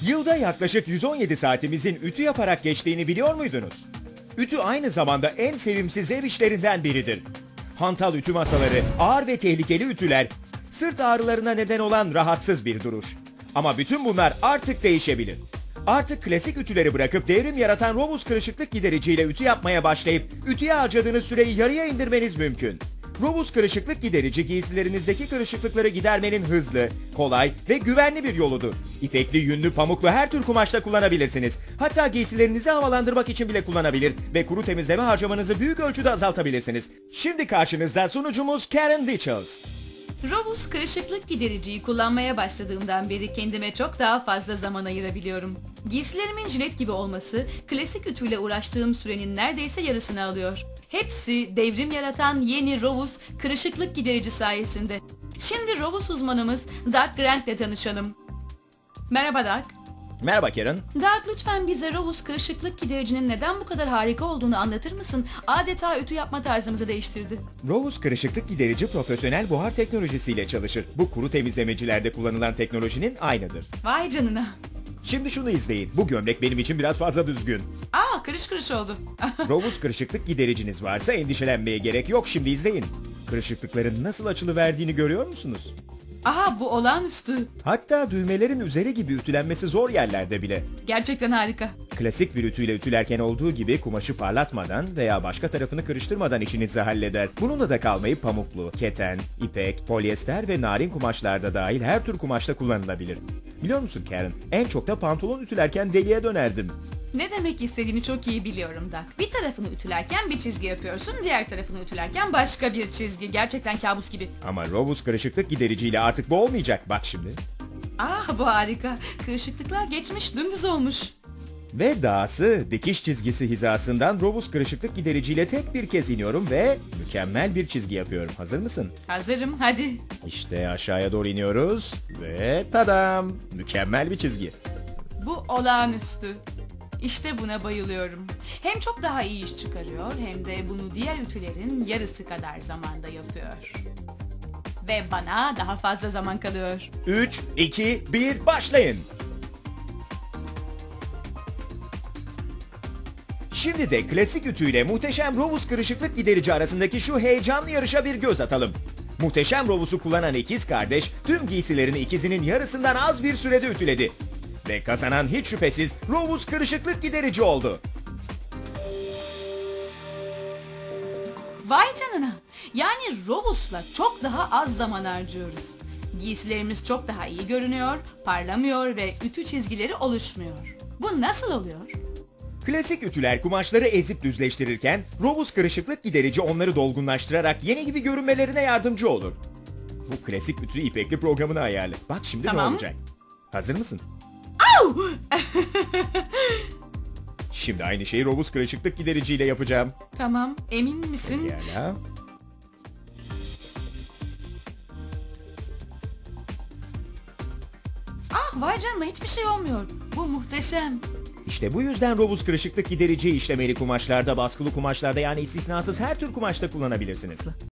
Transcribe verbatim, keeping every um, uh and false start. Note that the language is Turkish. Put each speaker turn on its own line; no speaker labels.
Yılda yaklaşık yüz on yedi saatimizin ütü yaparak geçtiğini biliyor muydunuz? Ütü aynı zamanda en sevimsiz ev işlerinden biridir. Hantal ütü masaları, ağır ve tehlikeli ütüler, sırt ağrılarına neden olan rahatsız bir duruş. Ama bütün bunlar artık değişebilir. Artık klasik ütüleri bırakıp devrim yaratan Robus kırışıklık gidericiyle ütü yapmaya başlayıp ütüye harcadığınız süreyi yarıya indirmeniz mümkün. Robus kırışıklık giderici giysilerinizdeki kırışıklıkları gidermenin hızlı, kolay ve güvenli bir yoludur. İpekli, yünlü, pamuklu her tür kumaşta kullanabilirsiniz. Hatta giysilerinizi havalandırmak için bile kullanabilir ve kuru temizleme harcamanızı büyük ölçüde azaltabilirsiniz. Şimdi karşınızda sunucumuz Karen Ditchels.
Robus kırışıklık gidericiyi kullanmaya başladığımdan beri kendime çok daha fazla zaman ayırabiliyorum. Giysilerimin jilet gibi olması, klasik ütüyle uğraştığım sürenin neredeyse yarısını alıyor. Hepsi devrim yaratan yeni Robus kırışıklık giderici sayesinde. Şimdi Robus uzmanımız Doug Grant ile tanışalım. Merhaba Doug.
Merhaba Karen.
Doug, lütfen bize Robus kırışıklık gidericinin neden bu kadar harika olduğunu anlatır mısın? Adeta ütü yapma tarzımızı değiştirdi.
Robus kırışıklık giderici profesyonel buhar teknolojisiyle çalışır. Bu kuru temizlemecilerde kullanılan teknolojinin aynıdır.
Vay canına.
Şimdi şunu izleyin. Bu gömlek benim için biraz fazla düzgün.
Aa, kırış kırış oldu.
Robus kırışıklık gidericiniz varsa endişelenmeye gerek yok. Şimdi izleyin. Kırışıklıkların nasıl açılıverdiğini görüyor musunuz?
Aha, bu olağanüstü.
Hatta düğmelerin üzeri gibi ütülenmesi zor yerlerde bile.
Gerçekten harika.
Klasik bir ütüyle ütülerken olduğu gibi kumaşı parlatmadan veya başka tarafını kırıştırmadan işinizi halleder. Bununla da kalmayıp pamuklu, keten, ipek, polyester ve narin kumaşlarda dahil her tür kumaşta kullanılabilir. Biliyor musun Karen, en çok da pantolon ütülerken deliye dönerdim.
Ne demek istediğini çok iyi biliyorum da. Bir tarafını ütülerken bir çizgi yapıyorsun, diğer tarafını ütülerken başka bir çizgi. Gerçekten kabus gibi.
Ama Robus kırışıklık gidericiyle artık bu olmayacak. Bak şimdi.
Ah, bu harika. Kırışıklıklar geçmiş, dümdüz olmuş.
Ve dahası dikiş çizgisi hizasından Robus kırışıklık gidericiyle tek bir kez iniyorum ve mükemmel bir çizgi yapıyorum. Hazır mısın?
Hazırım, hadi.
İşte aşağıya doğru iniyoruz ve tadam! Mükemmel bir çizgi.
Bu olağanüstü. İşte buna bayılıyorum. Hem çok daha iyi iş çıkarıyor hem de bunu diğer ütülerin yarısı kadar zamanda yapıyor. Ve bana daha fazla zaman kalıyor.
üç, iki, bir, başlayın! Şimdi de klasik ütüyle muhteşem Robus kırışıklık giderici arasındaki şu heyecanlı yarışa bir göz atalım. Muhteşem Robus'u kullanan ikiz kardeş tüm giysilerini ikizinin yarısından az bir sürede ütüledi. Ve kazanan hiç şüphesiz Robus kırışıklık giderici oldu.
Vay canına. Yani Robus'la çok daha az zaman harcıyoruz. Giysilerimiz çok daha iyi görünüyor, parlamıyor ve ütü çizgileri oluşmuyor. Bu nasıl oluyor?
Klasik ütüler kumaşları ezip düzleştirirken Robus kırışıklık giderici onları dolgunlaştırarak yeni gibi görünmelerine yardımcı olur. Bu klasik ütü ipekli programını ayarla. Bak şimdi
Tamam.
ne olacak? Hazır mısın?
Au!
Şimdi aynı şeyi Robus kırışıklık gidericiyle yapacağım.
Tamam, emin misin?
Pekala.
Ah, vay canına, hiçbir şey olmuyor. Bu muhteşem.
İşte bu yüzden Robus kırışıklık giderici işlemeli kumaşlarda, baskılı kumaşlarda yani istisnasız her tür kumaşta kullanabilirsiniz.